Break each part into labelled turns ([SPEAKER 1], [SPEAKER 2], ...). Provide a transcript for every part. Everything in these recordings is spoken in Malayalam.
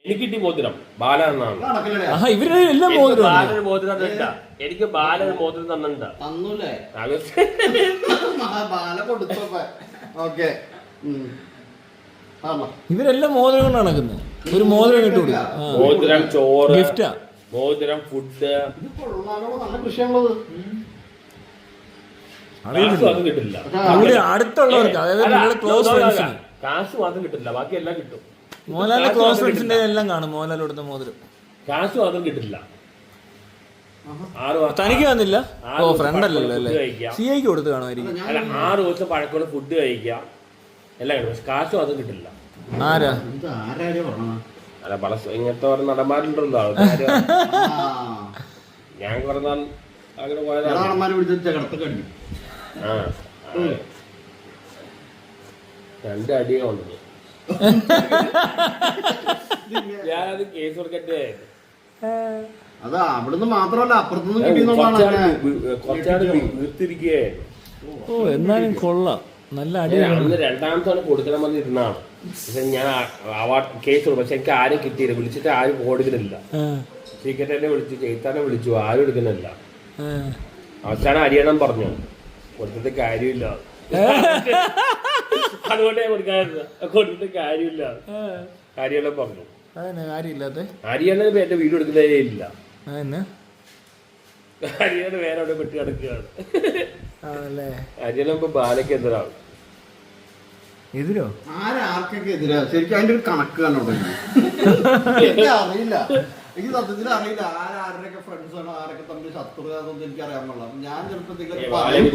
[SPEAKER 1] എനിക്ക് കിട്ടി മോതിരം ബാല എന്നാണ്.
[SPEAKER 2] ഇവരുടെ എല്ലാം മോതിരം
[SPEAKER 1] ബാലന് മോതിരം തന്നിട്ടാ. എനിക്ക് ബാലന് മോതിരം തന്നിട്ടാ.
[SPEAKER 3] തന്നൂല്ലേ? ബാല കൊടുത്തപ്പോ ഓക്കെ.
[SPEAKER 2] ഇവരെല്ലാം മോതിരം കൊണ്ട് നടക്കുന്നത്. ഒരു മോതിരം കിട്ടു
[SPEAKER 1] മോതിരം, ചോറ്,
[SPEAKER 2] ഗിഫ്റ്റാ,
[SPEAKER 1] മോതിരം, ഫുഡ്.
[SPEAKER 3] നല്ല കൃഷിയാണുള്ളത്.
[SPEAKER 1] അത് കിട്ടില്ല.
[SPEAKER 2] അവിടെ അടുത്തുള്ളവർക്ക്, അതായത് നിങ്ങളുടെ ക്ലോസ് ഫ്രണ്ട്സിന്
[SPEAKER 1] കാശ് മാത്രം കിട്ടില്ല, ബാക്കി എല്ലാം കിട്ടും.
[SPEAKER 2] മോഹൻലാലിന്റെ ക്ലോസ് ഫ്രണ്ട്സിന്റെ എല്ലാം കാണും മോഹൻലാൽ കൊടുത്ത മോതിരം.
[SPEAKER 1] കാശ് മാത്രം കിട്ടില്ല.
[SPEAKER 2] തനിക്ക് വന്നില്ല. ഓ ഫ്രണ്ട് അല്ലല്ലോ അല്ലേ, സിഐക്ക് കൊടുത്ത് കാണുമായിരിക്കും.
[SPEAKER 1] അല്ല, 6 ദിവസം പഴക്കമുള്ള ഫുഡ് കഴിക്കാം, എല്ലാം കിട്ടും. പക്ഷെ കാശ് മാത്രം കിട്ടില്ല.
[SPEAKER 2] ആരാ?
[SPEAKER 1] അല്ല, പല ഇങ്ങനത്തെ ഓരോ നടന്മാരുണ്ടല്ലോ. ഞാൻ കുറെ നാൾ അങ്ങനെ പോയതാണ്. ആ, 2 അടിയെ കൊണ്ടത്. ഞാനത് കേസ് കൊടുക്കട്ടെ.
[SPEAKER 3] അതാ അവിടുന്ന് മാത്രമല്ല അപ്പുറത്തുനിന്ന് കിട്ടിയെന്നുള്ളതാണ്.
[SPEAKER 1] കുറച്ചാട് വീർത്തിരിക്കേ.
[SPEAKER 2] ഓ എന്നാലും കൊള്ളാം, നല്ല അടി.
[SPEAKER 1] അന്ന് 2ാമത്തെ കൊടുക്കണം വന്ന് ഇരുന്നാണ്. പക്ഷെ ഞാൻ അവാർഡ് കേസ് കൊടുക്കും. പക്ഷെ എനിക്ക് ആരും കിട്ടിയില്ല. വിളിച്ചിട്ട് ആരും കൊടുക്കുന്നില്ല. സീക്രട്ടറിനെ വിളിച്ചു, ചെയ്ത്താനെ വിളിച്ചു, ആരും എടുക്കുന്നില്ല. അവസാനം അരിയണം പറഞ്ഞു. കൊടുത്തിട്ട് കാര്യമില്ല. അതുകൊണ്ടേ കൊടുക്കാറില്ല. കൊടുത്തിട്ട് കാര്യമില്ല, കാര്യമെല്ലാം പറഞ്ഞു.
[SPEAKER 2] കാര്യമില്ലാത്ത
[SPEAKER 1] ഹരിയാണ എന്റെ വീട് എടുക്കുന്നതേ ഇല്ല. ഹരിയാണ വേറെ അവിടെ പെട്ടി കിടക്കുകയാണ്. ഹരിയാണ ഇപ്പൊ ബാലയ്ക്ക് എതിരാണ്.
[SPEAKER 2] എതിരോ?
[SPEAKER 3] ആർക്കൊക്കെ എതിരാ? ശരിക്കും അതിന്റെ ഒരു കണക്ക് കണ്ടോ? എനിക്ക് അറിയില്ല. എനിക്ക് സത്യത്തിൽ അറിയില്ല ആരൊക്കെ ഫ്രണ്ട്സ് ആണ്, ആരൊക്കെ തമ്മിൽ ശത്രുതാന്നൊന്നും എനിക്ക് അറിയാൻ പാടില്ല. ഞാൻ ചെറുപ്പത്തിൽ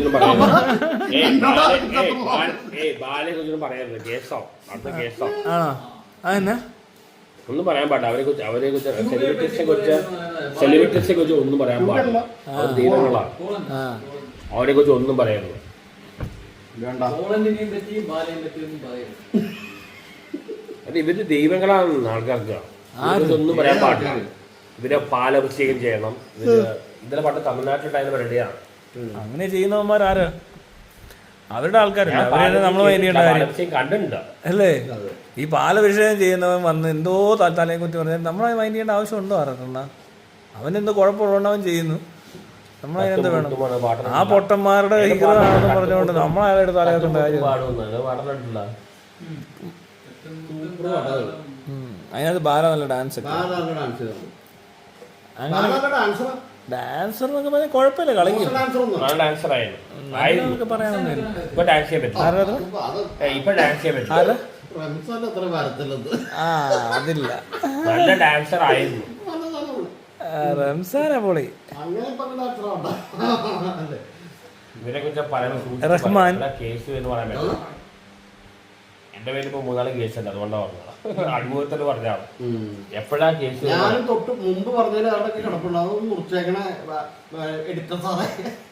[SPEAKER 1] പറയരുത്. കേസോ അടുത്ത കേസോ ഒന്നും പറയാൻ പാടില്ല. അവരെ കുറിച്ച് സെലിബ്രിറ്റീസിനെ കുറിച്ച് ഒന്നും പറയാൻ പാടില്ല. അവർ ദൈവങ്ങളാണ്. അവരെ കുറിച്ച് ഒന്നും പറയരുത്. അത് ഇവര് ദൈവങ്ങളാണ് ആൾക്കാർക്ക്. ഒന്നും പറയാൻ പാടില്ല. ഇവരെ പാലഭിഷേകം ചെയ്യണം. ഇന്നലെ പണ്ട് തമിഴ്നാട്ടിലുണ്ടായിരുന്ന പരിപാടിയാണ്.
[SPEAKER 2] അങ്ങനെ ചെയ്യുന്നവന്മാരാര്? അവരുടെ ആൾക്കാരല്ല. അവരെ നമ്മൾ
[SPEAKER 1] കണ്ടിട്ടുണ്ട്
[SPEAKER 2] അല്ലേ? ഈ പാലഭിഷേകം ചെയ്യുന്നവൻ വന്ന് എന്തോ തലയെ കുത്തി പറഞ്ഞാൽ നമ്മളെ മൈൻഡ് ചെയ്യേണ്ട ആവശ്യമുണ്ടോ? പറഞ്ഞ അവനെന്തോ കുഴപ്പമുള്ളതുകൊണ്ട് അവൻ ചെയ്യുന്നു. നമ്മളതിനെന്ത് വേണം? ആ പൊട്ടന്മാരുടെ ഹീറോയാണെന്ന് പറഞ്ഞുകൊണ്ട് നമ്മളയാളുടെ തലയെത്തേണ്ട കാര്യം. അതിനകത്ത് ബാല നല്ല ഡാൻസ് ഒക്കെ. ഡാൻസർ എന്നൊക്കെ പറഞ്ഞാൽ കുഴപ്പമില്ല, കളിക്കും. അതില്ല,
[SPEAKER 1] നല്ല ഡാൻസർ ആയിരുന്നു
[SPEAKER 2] റംസാനാ പൊളി.
[SPEAKER 1] ഇവരെ കുറിച്ച്
[SPEAKER 2] റഹ്മാൻ
[SPEAKER 1] കേസ് എന്ന് പറയാൻ പറ്റില്ല. എന്റെ പേര് ഇപ്പൊ 3-4 കേസുണ്ട്. അതുകൊണ്ടാണ് പറഞ്ഞത്. അനുഭവത്തിൽ പറഞ്ഞാണ്. എപ്പോഴാ കേസ്?
[SPEAKER 3] ഞാനും തൊട്ട് മുമ്പ് പറഞ്ഞതിൽ അവിടെയൊക്കെ കിടപ്പുണ്ട്. അത് മുറിച്ചേക്കണ എടുത്ത സാറേ.